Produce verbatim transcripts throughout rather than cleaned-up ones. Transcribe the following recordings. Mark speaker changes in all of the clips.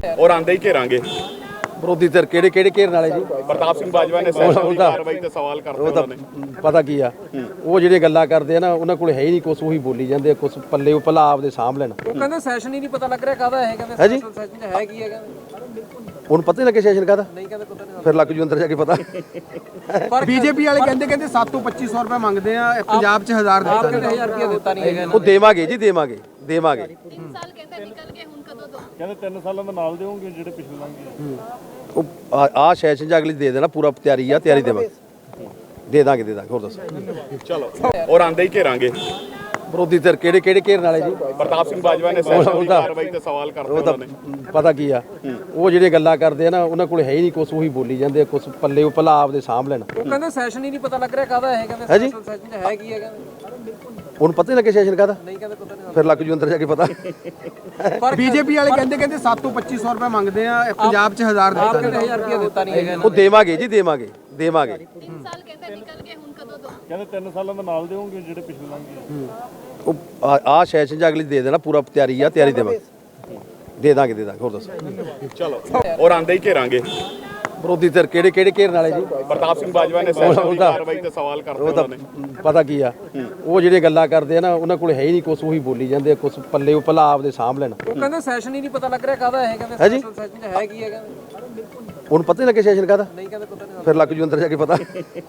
Speaker 1: और आंदे ही घेरांगे
Speaker 2: ਵਿਰੋਧੀ ਧਿਰ ਕਿਹੜੇ ਕਿਹੜੇ ਘੇਰਨ ਵਾਲੇ ਜੀ
Speaker 1: प्रताप सिंह बाजवा ने सैशन की कार्रवाई ते सवाल करते
Speaker 2: ਉਹ ਤਾਂ
Speaker 1: उन्होंने
Speaker 2: ਪਤਾ ਕੀ ਆ ਉਹ ਜਿਹੜੇ ਗੱਲਾਂ ਕਰਦੇ ਆ ਨਾ ਉਹਨਾਂ ਕੋਲ ਹੈ ਹੀ ਨਹੀਂ ਕੁਛ ਉਹੀ ਬੋਲੀ ਜਾਂਦੇ ਆ ਕੁਛ ਪੱਲੇ ਉਹ ਭਲਾ ਆਪਦੇ ਸਾਂਭ ਲੈਣ
Speaker 3: ਉਹ ਕਹਿੰਦੇ ਸੈਸ਼ਨ ਹੀ ਨਹੀਂ ਪਤਾ ਲੱਗ ਰਿਹਾ ਕਾਹਦਾ ਹੈ ਕਹਿੰਦੇ
Speaker 2: ਹੈ ਜੀ
Speaker 3: ਸੈਸ਼ਨ ਚ ਹੈ ਕੀ ਹੈ ਕਹਿੰਦੇ
Speaker 2: ਉਹਨੂੰ ਪਤਾ ਹੀ ਨਾ ਕਿ ਸੈਸ਼ਨ ਕਾਹਦਾ
Speaker 3: ਨਹੀਂ ਕਹਿੰਦੇ ਪਤਾ ਨਹੀਂ
Speaker 2: ਫਿਰ ਲੱਗ ਜੂ ਅੰਦਰ ਜਾ ਕੇ ਪਤਾ
Speaker 4: ਪਰ ਬੀਜੇਪੀ ਵਾਲੇ ਕਹਿੰਦੇ ਕਹਿੰਦੇ ਸੱਤ ਤੋਂ ਪੱਚੀ ਸੌ ਰੁਪਏ ਮੰਗਦੇ ਆ ਪੰਜਾਬ 'ਚ ਹਜ਼ਾਰ
Speaker 3: ਆਪ
Speaker 4: ਦਿੱਤਾ
Speaker 3: ਕਹਿੰਦੇ ਹਜ਼ਾਰ ਰੁਪਇਆ ਦਿੱਤਾ ਨਹੀਂ ਹੈਗਾ
Speaker 2: ਉਹ ਦੇਵਾਂਗੇ ਜੀ ਦੇਵਾਂਗੇ ਦੇਵਾਂਗੇ
Speaker 5: तीन साल कहते निकल गए हुन कदों दो
Speaker 1: ਕਹਿੰਦੇ ਤਿੰਨ ਸਾਲਾਂ ਦਾ ਨਾਲ ਦੇਵੋਗੇ ਜਿਹੜੇ ਪਿਛਲੇ ਲੰਘੇ
Speaker 2: ਉਹ ਆ ਸੈਸ਼ਨ ਚ ਅਗਲੀ ਦੇ ਦੇਣਾ ਪੂਰਾ ਤਿਆਰੀ ਆ ਤਿਆਰੀ ਦੇਵਾਂਗੇ ਦੇ ਦਾਂਗੇ ਦੇ ਦਾਂਗੇ ਹੋਰ ਦੱਸੋ
Speaker 1: ਚਲੋ और आंदे ही घेरांगे
Speaker 2: ਵਿਰੋਧੀ ਧਿਰ ਕਿਹੜੇ ਕਿਹੜੇ ਘੇਰਨ ਵਾਲੇ ਜੀ
Speaker 1: प्रताप सिंह बाजवा ने सैशन की कार्रवाई ते सवाल करते
Speaker 2: ਉਹ ਤਾਂ
Speaker 1: उन्होंने
Speaker 2: ਪਤਾ ਕੀ ਆ ਉਹ ਜਿਹੜੇ ਗੱਲਾਂ ਕਰਦੇ ਆ ਨਾ ਉਹਨਾਂ ਕੋਲ ਹੈ ਹੀ ਨਹੀਂ ਕੁਛ ਉਹੀ ਬੋਲੀ ਜਾਂਦੇ ਆ ਕੁਛ ਪੱਲੇ ਉਹ ਭਲਾ ਆਪਦੇ ਸਾਂਭ ਲੈਣ
Speaker 3: ਉਹ ਕਹਿੰਦੇ ਸੈਸ਼ਨ ਹੀ ਨਹੀਂ ਪਤਾ ਲੱਗ ਰਿਹਾ ਕਾਹਦਾ ਹੈ ਕਹਿੰਦੇ
Speaker 2: ਹੈ ਜੀ
Speaker 3: ਸੈਸ਼ਨ ਚ ਹੈ ਕੀ ਹੈ ਕਹਿੰਦੇ
Speaker 2: ਉਹਨੂੰ ਪਤਾ ਹੀ ਨਾ ਕਿ ਸੈਸ਼ਨ ਕਾਹਦਾ
Speaker 3: ਨਹੀਂ ਕਹਿੰਦੇ ਪਤਾ ਨਹੀਂ
Speaker 2: ਫਿਰ ਲੱਗ ਜੂ ਅੰਦਰ ਜਾ ਕੇ ਪਤਾ
Speaker 4: ਪਰ ਬੀਜੇਪੀ ਵਾਲੇ ਕਹਿੰਦੇ ਕਹਿੰਦੇ ਸੱਤ ਤੋਂ ਪੱਚੀ ਸੌ ਰੁਪਏ ਮੰਗਦੇ ਆ ਪੰਜਾਬ 'ਚ ਹਜ਼ਾਰ
Speaker 3: ਆਪ
Speaker 4: ਦਿੱਤਾ
Speaker 3: ਕਹਿੰਦੇ ਹਜ਼ਾਰ ਰੁਪਇਆ ਦਿੱਤਾ ਨਹੀਂ ਹੈਗਾ
Speaker 2: ਉਹ ਦੇਵਾਂਗੇ ਜੀ ਦੇਵਾਂਗੇ ਦੇਵਾਂਗੇ
Speaker 5: तीन साल कहते निकल गए हुन कदों दो
Speaker 1: ਕਹਿੰਦੇ ਤਿੰਨ ਸਾਲਾਂ ਦਾ ਨਾਲ ਦੇਵੋਗੇ ਜਿਹੜੇ ਪਿਛਲੇ ਲੰਘੇ
Speaker 2: ਉਹ ਆ ਸੈਸ਼ਨ ਚ ਅਗਲੀ ਦੇ ਦੇਣਾ ਪੂਰਾ ਤਿਆਰੀ ਆ ਤਿਆਰੀ ਦੇਵਾਂਗੇ ਦੇ ਦਾਂਗੇ ਦੇ ਦਾਂਗੇ ਹੋਰ ਦੱਸੋ
Speaker 1: ਚਲੋ और आंदे ही घेरांगे
Speaker 2: ਵਿਰੋਧੀ ਧਿਰ ਕਿਹੜੇ ਕਿਹੜੇ ਘੇਰਨ ਵਾਲੇ ਜੀ
Speaker 1: प्रताप सिंह बाजवा ने सैशन की कार्रवाई ते सवाल करते
Speaker 2: ਉਹ ਤਾਂ
Speaker 1: उन्होंने
Speaker 2: ਪਤਾ ਕੀ ਆ ਉਹ ਜਿਹੜੇ ਗੱਲਾਂ ਕਰਦੇ ਆ ਨਾ ਉਹਨਾਂ ਕੋਲ ਹੈ ਹੀ ਨਹੀਂ ਕੁਛ ਉਹੀ ਬੋਲੀ ਜਾਂਦੇ ਆ ਕੁਛ ਪੱਲੇ ਉਹ ਭਲਾ ਆਪਦੇ ਸਾਂਭ ਲੈਣ
Speaker 3: ਉਹ ਕਹਿੰਦੇ ਸੈਸ਼ਨ ਹੀ ਨਹੀਂ ਪਤਾ ਲੱਗ ਰਿਹਾ ਕਾਹਦਾ ਹੈ ਕਹਿੰਦੇ
Speaker 2: ਹੈ ਜੀ
Speaker 3: ਸੈਸ਼ਨ ਚ ਹੈ ਕੀ ਹੈ ਕਹਿੰਦੇ
Speaker 2: ਉਹਨੂੰ ਪਤਾ ਹੀ ਨਾ ਕਿ ਸੈਸ਼ਨ ਕਾਹਦਾ
Speaker 3: ਨਹੀਂ ਕਹਿੰਦੇ ਪਤਾ ਨਹੀਂ
Speaker 2: ਫਿਰ ਲੱਗ ਜੂ ਅੰਦਰ ਜਾ ਕੇ ਪਤਾ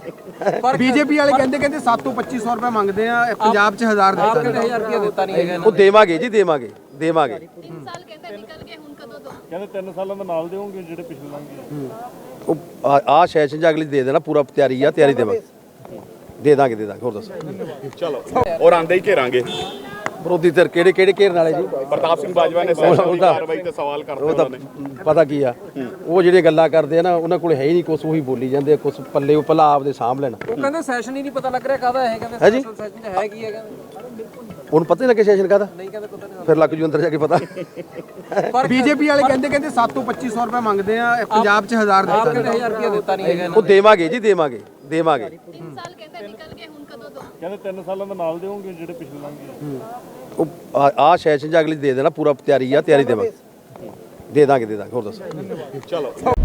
Speaker 4: ਪਰ ਬੀਜੇਪੀ ਵਾਲੇ ਕਹਿੰਦੇ ਕਹਿੰਦੇ ਸੱਤ ਤੋਂ ਪੱਚੀ ਸੌ ਰੁਪਏ ਮੰਗਦੇ ਆ ਪੰਜਾਬ 'ਚ ਹਜ਼ਾਰ
Speaker 3: ਆਪ
Speaker 4: ਦਿੱਤਾ
Speaker 3: ਕਹਿੰਦੇ ਹਜ਼ਾਰ ਰੁਪਇਆ ਦਿੱਤਾ ਨਹੀਂ ਹੈਗਾ
Speaker 2: ਉਹ ਦੇਵਾਂਗੇ ਜੀ ਦੇਵਾਂਗੇ ਦੇਵਾਂਗੇ
Speaker 5: तीन साल कहते निकल गए हुन कदों दो
Speaker 1: ਕਹਿੰਦੇ ਤਿੰਨ ਸਾਲਾਂ ਦਾ ਨਾਲ ਦੇਵੋਗੇ ਜਿਹੜੇ ਪਿਛਲੇ ਲੰਘੇ
Speaker 2: ਉਹ ਆ ਸੈਸ਼ਨ ਚ ਅਗਲੀ ਦੇ ਦੇਣਾ ਪੂਰਾ ਤਿਆਰੀ ਆ ਤਿਆਰੀ ਦੇਵਾਂਗੇ ਦੇ ਦਾਂਗੇ ਦੇ ਦਾਂਗੇ ਹੋਰ ਦੱਸੋ
Speaker 1: ਚਲੋ और आंदे ही घेरांगे
Speaker 2: ਵਿਰੋਧੀ ਧਿਰ ਕਿਹੜੇ ਕਿਹੜੇ ਘੇਰਨ ਵਾਲੇ ਜੀ
Speaker 1: प्रताप सिंह बाजवा ने सैशन की कार्रवाई ते सवाल करते
Speaker 2: ਉਹ ਤਾਂ
Speaker 1: उन्होंने
Speaker 2: ਪਤਾ ਕੀ ਆ ਉਹ ਜਿਹੜੇ ਗੱਲਾਂ ਕਰਦੇ ਆ ਨਾ ਉਹਨਾਂ ਕੋਲ ਹੈ ਹੀ ਨਹੀਂ ਕੁਛ ਉਹੀ ਬੋਲੀ ਜਾਂਦੇ ਆ ਕੁਛ ਪੱਲੇ ਉਹ ਭਲਾ ਆਪਦੇ ਸਾਂਭ ਲੈਣ
Speaker 3: ਉਹ ਕਹਿੰਦੇ ਸੈਸ਼ਨ ਹੀ ਨਹੀਂ ਪਤਾ ਲੱਗ ਰਿਹਾ ਕਾਹਦਾ ਹੈ ਕਹਿੰਦੇ
Speaker 2: ਹੈ ਜੀ
Speaker 3: ਸੈਸ਼ਨ ਚ ਹੈ ਕੀ ਹੈ ਕਹਿੰਦੇ
Speaker 2: ਉਹਨੂੰ ਪਤਾ ਹੀ ਨਾ ਕਿ ਸੈਸ਼ਨ ਕਾਹਦਾ
Speaker 3: ਨਹੀਂ ਕਹਿੰਦੇ ਪਤਾ ਨਹੀਂ
Speaker 2: ਫਿਰ ਲੱਗ ਜੂ ਅੰਦਰ ਜਾ ਕੇ ਪਤਾ
Speaker 4: ਪਰ ਬੀਜੇਪੀ ਵਾਲੇ ਕਹਿੰਦੇ ਕਹਿੰਦੇ ਸੱਤ ਤੋਂ ਪੱਚੀ ਸੌ ਰੁਪਏ ਮੰਗਦੇ ਆ ਪੰਜਾਬ 'ਚ ਹਜ਼ਾਰ
Speaker 3: ਆਪ
Speaker 4: ਦਿੱਤਾ
Speaker 3: ਕਹਿੰਦੇ ਹਜ਼ਾਰ ਰੁਪਇਆ ਦਿੱਤਾ ਨਹੀਂ ਹੈਗਾ
Speaker 2: ਉਹ ਦੇਵਾਂਗੇ ਜੀ ਦੇਵਾਂਗੇ ਦੇਵਾਂਗੇ
Speaker 5: तीन साल कहते निकल गए हुन कदों दो
Speaker 1: ਕਹਿੰਦੇ ਤਿੰਨ ਸਾਲਾਂ ਦਾ ਨਾਲ ਦੇਵੋਗੇ ਜਿਹੜੇ ਪਿਛਲੇ ਲੰਘੇ
Speaker 2: ਉਹ ਆ ਸੈਸ਼ਨ ਚ ਅਗਲੀ ਦੇ ਦੇਣਾ ਪੂਰਾ ਤਿਆਰੀ ਆ ਤਿਆਰੀ ਦੇਵਾਂਗੇ ਦੇ ਦਾਂਗੇ ਦੇ ਦਾਂਗੇ ਹੋਰ ਦੱਸੋ
Speaker 1: ਚਲੋ